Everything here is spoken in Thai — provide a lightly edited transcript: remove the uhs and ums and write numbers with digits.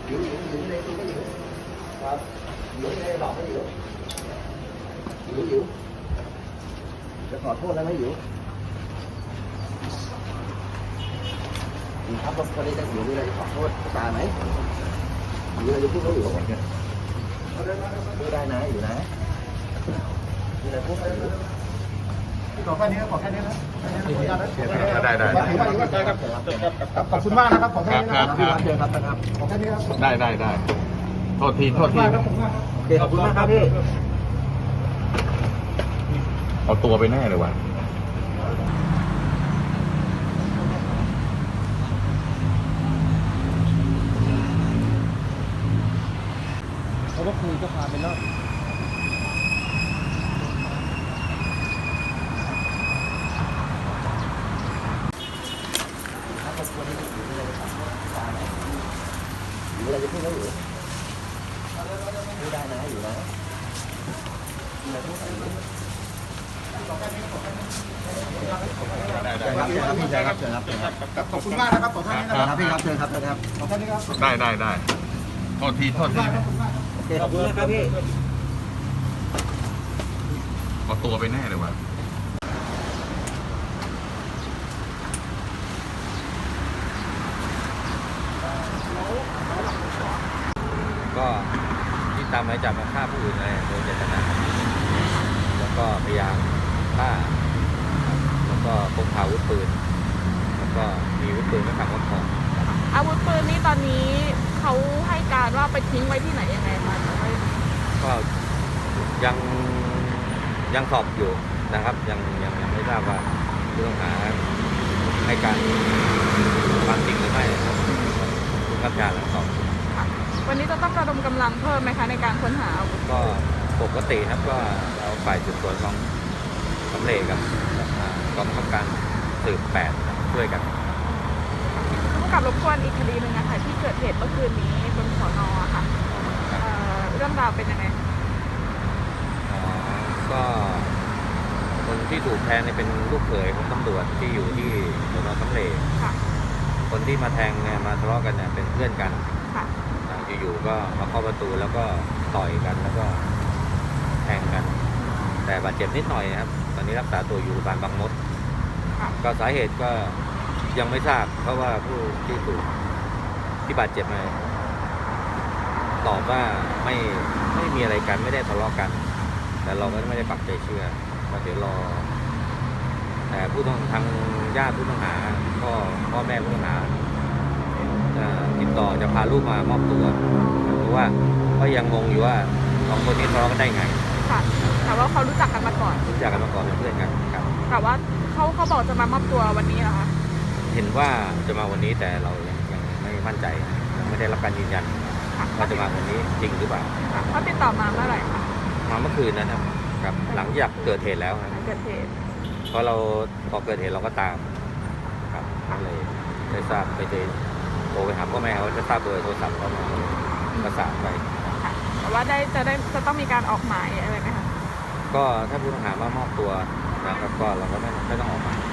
Dữ đây tôi có dữ. Dữ đây đọc cái dữ. Dữ. Đểขอโทษแล้วไม่อยู่ครับพอได้จะอยู่มีอะไรขอโทษตาไหมมีอะไรจะพูดเขาอยู่ก่อนเนี่ยพูดได้นะอยู่นะมีอะไรพูดได้ขอแค่นี้ขอแค่นี้นะได้ขอบคุณมากนะครับขอแค่นี้นะครับเจอครับขอแค่นี้ครับได้โทษทีโอเคขอบคุณมากครับพี่เอาตัวไปแน่เลยว่ะเขาก็คุยก็พาไปรอบอยู่อะไรจะพูดแล้วอยู่พูดได้นะอยู่นะมีอะไรพูดได้ครับพี่ชายครับเชิญครับขอบคุณมากนะครับขอท่านนี้นะครับพี่ครับเชิญครับขอท่านนี้ครับได้โทษทีโอเคขอบคุณมากครับพี่เอาตัวไปแน่เลยว่ะก็ที่ตามหมายจับมาฆ่าผู้อื่นอะไรโดยเจตนาแล้วก็พยายามฆ่าแล้วก็พกพาอาวุธปืนแล้วก็มีอาวุธปืนไม่ขับรถของอาวุธปืนนี้ตอนนี้เขาให้การว่าไปทิ้งไว้ที่ไหนยังไงคะก็ยังสอบอยู่นะครับยังไม่ทราบว่าผู้ต้องหาให้การความจริงหรือไม่นะครับรับการหลังสอบวันนี้จะต้องระดมกำลังเพิ่มไหมคะในการค้นหาอาวุธก็ปกติครับก็เราฝ่ายสืบสวนของสำเร็จกับกองบังคับการสืบ8ช่วยกันผู้กับรบกวนอีกคดีหนึ่งนะคะที่เกิดเหตุเมื่อคืนนี้บนสน.ค่ะเรื่องราวเป็นยังไงก็คนที่ถูกแทงเนี่ยเป็นลูกเขยของตำรวจที่อยู่ที่สน.สำเร็จคนที่มาแทงเนี่ยมาทะเลาะกันเนี่ยเป็นเพื่อนกันอยู่ๆก็มาเข้าประตูแล้วก็ต่อยกันแล้วก็แทงกันแต่บาดเจ็บนิดหน่อยนะครับตอนนี้รักษาตัวอยู่โรงพยาบาลบางมดก็สาเหตุก็ยังไม่ทราบเพราะว่าผู้ที่ถูกที่บาดเจ็บมาตอบว่าไม่มีอะไรกันไม่ได้ทะเลาะกันแต่เราก็ไม่ได้ปักใจเชื่อว่าเดี๋ยวรอแต่ผู้ต้องทางญาติผู้ต้องหาก็พ่อแม่ผู้ต้องหาติดต่อจะพาลูกมามอบตัวเพราะว่าก็ยังงงอยู่ว่าสองคนนี้ทะเลาะกันได้ไงค่ะแต่ว่าเขารู้จักกันมาก่อนเป็นเพื่อนกันครับแต่ว่าเขาบอกจะมามอบตัววันนี้เหรอคะเห็นว่าจะมาวันนี้แต่เรายังไม่มั่นใจยังไม่ได้รับการยืนยันว่าจะมาวันนี้จริงหรือเปล่าเขาติดต่อมาเมื่อไหร่คะมาเมื่อคืนนะครับหลังจากเกิดเหตุแล้วเกิดเหตุเพราะพอเกิดเหตุเราก็ตามครับก็เลยได้ทราบไปเจอโทรไปหาพ่อแม่เขาจะทราบเบอร์โทรศัพท์เขามาประสานไปแต่ว่าจะต้องมีการออกหมายอะไรไหมคะก็ถ้าผู้ต้องหามามอบตัวนะครับก็เราก็ไม่ต้องออกหมาย